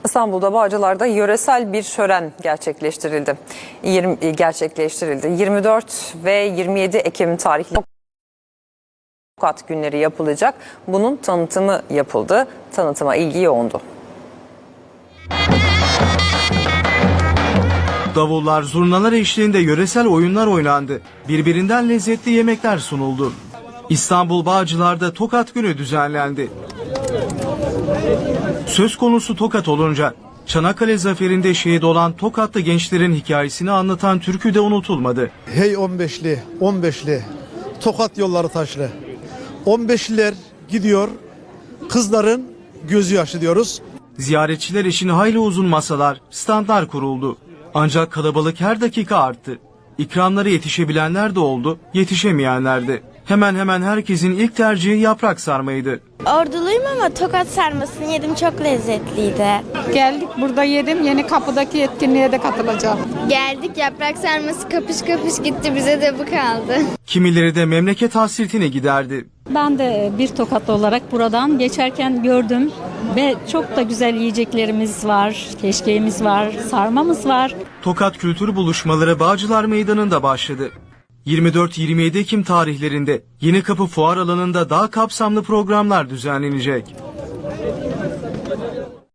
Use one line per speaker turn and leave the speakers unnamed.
İstanbul'da Bağcılar'da yöresel bir şölen gerçekleştirildi. 24 ve 27 Ekim tarihli Tokat günleri yapılacak. Bunun tanıtımı yapıldı. Tanıtıma ilgi yoğundu.
Davullar, zurnalar eşliğinde yöresel oyunlar oynandı. Birbirinden lezzetli yemekler sunuldu. İstanbul Bağcılar'da Tokat Günü düzenlendi. Söz konusu Tokat olunca Çanakkale zaferinde şehit olan Tokatlı gençlerin hikayesini anlatan türkü de unutulmadı.
Hey 15'li Tokat yolları taşlı. 15'liler gidiyor, kızların gözü yaşlı diyoruz.
Ziyaretçiler için hayli uzun masalar, standlar kuruldu. Ancak kalabalık her dakika arttı. İkramlara yetişebilenler de oldu, yetişemeyenler de. Hemen hemen herkesin ilk tercihi yaprak sarmaydı.
Orduluyum ama Tokat sarmasını yedim, çok lezzetliydi.
Geldik, burada yedim, yeni kapıdaki etkinliğe de katılacağım.
Geldik, yaprak sarması kapış kapış gitti, bize de bu kaldı.
Kimileri de memleket hasretini giderdi.
Ben de bir Tokatlı olarak buradan geçerken gördüm ve çok da güzel yiyeceklerimiz var, keşkeğimiz var, sarmamız var.
Tokat Kültür Buluşmaları Bağcılar Meydanı'nda başladı. 24-27 Ekim tarihlerinde Yenikapı Fuar Alanı'nda daha kapsamlı programlar düzenlenecek.